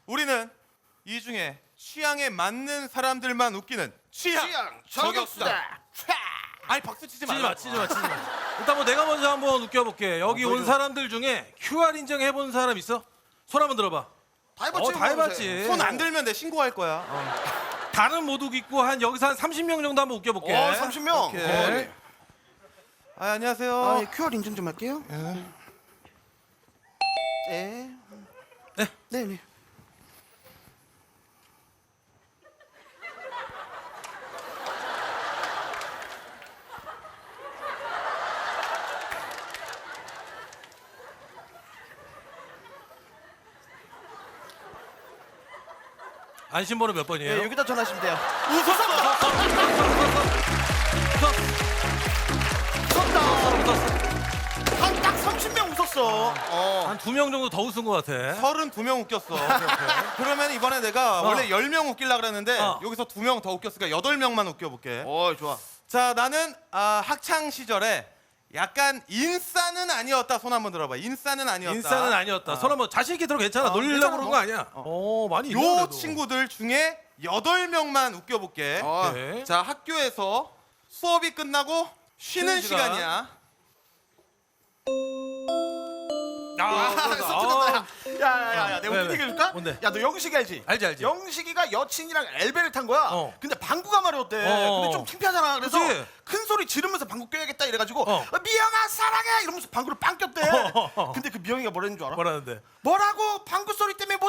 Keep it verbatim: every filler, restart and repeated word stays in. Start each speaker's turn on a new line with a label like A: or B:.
A: 우리는 이 중에 취향에 맞는 사람들만 웃기는 취향,
B: 취향
A: 저격수다.
B: 저격수다.
A: 아니 박수 치지
C: 치지
A: 말라.
C: 마, 치지 마, 치지 마. 일단 뭐 내가 먼저 한번 웃겨볼게. 여기
A: 어,
C: 온
A: 먼저.
C: 사람들 중에 큐알 인증 해본 사람 있어? 손 한번 들어봐.
B: 다 해봤지.
C: 어, 다 해봤지.
A: 손 안 들면 내 신고할 거야.
C: 다른 못 웃기고 한 여기서 한 삼십 명 정도 한번 웃겨볼게.
B: 어, 삼십 명.
A: 오케이.
B: 어, 네.
A: 아, 안녕하세요.
B: 아, 예, 큐알 인증 좀 할게요. 네.
C: 네.
B: 네, 네.
C: 안심번호 몇 번이에요?
B: 예, 여기다 전화하시면 돼요.
A: 웃었어.
B: 웃었다. 한 딱 삼십 명 웃었어. 어.
C: 한 두 명 정도 더 웃은 것 같아.
A: 서른두 명 웃겼어. 그러면 이번에 내가
C: 어.
A: 원래 열 명 웃기려고 그랬는데
C: 어.
A: 여기서 두 명 더 웃겼으니까 여덟 명만 웃겨볼게.
B: 어, 좋아.
A: 자, 나는 아, 학창 시절에 약간 인싸는 아니었다. 손 한번 들어봐. 인싸는 아니었다.
C: 인싸는 아니었다.
A: 어.
C: 손 한번 자신 있게 들어. 괜찮아.
A: 어,
C: 놀리려고
A: 괜찮아,
C: 그런
A: 뭐.
C: 거 아니야. 어, 많이 있네,
A: 요
C: 그래도.
A: 친구들 중에 여덟 명만 웃겨볼게.
B: 어.
C: 오케이.
A: 자, 학교에서 수업이 끝나고 쉬는
C: 쉬는 시간.
A: 시간이야.
C: 아,
B: 아,
C: 그러다.
B: 섭섭하다.
C: 아,
B: 야야야야, 내가
C: 왜,
B: 웃긴
C: 왜?
B: 얘기 해줄까?
C: 뭔데?
B: 야, 너 영식이 알지?
C: 알지, 알지.
B: 영식이가 여친이랑 엘베를 탄 거야.
C: 어.
B: 근데 방구가 마려웠대.
C: 어.
B: 근데 좀 창피하잖아. 그래서
C: 그치?
B: 큰 소리 지르면서 방구 껴야겠다 이래가지고
C: 어.
B: 어, 미영아 사랑해 이러면서 방구를 빵 꼈대.
C: 어.
B: 근데 그 미영이가 뭐라는 줄 알아?
C: 뭐라는데?
B: 뭐라고? 방구 소리 때문에 못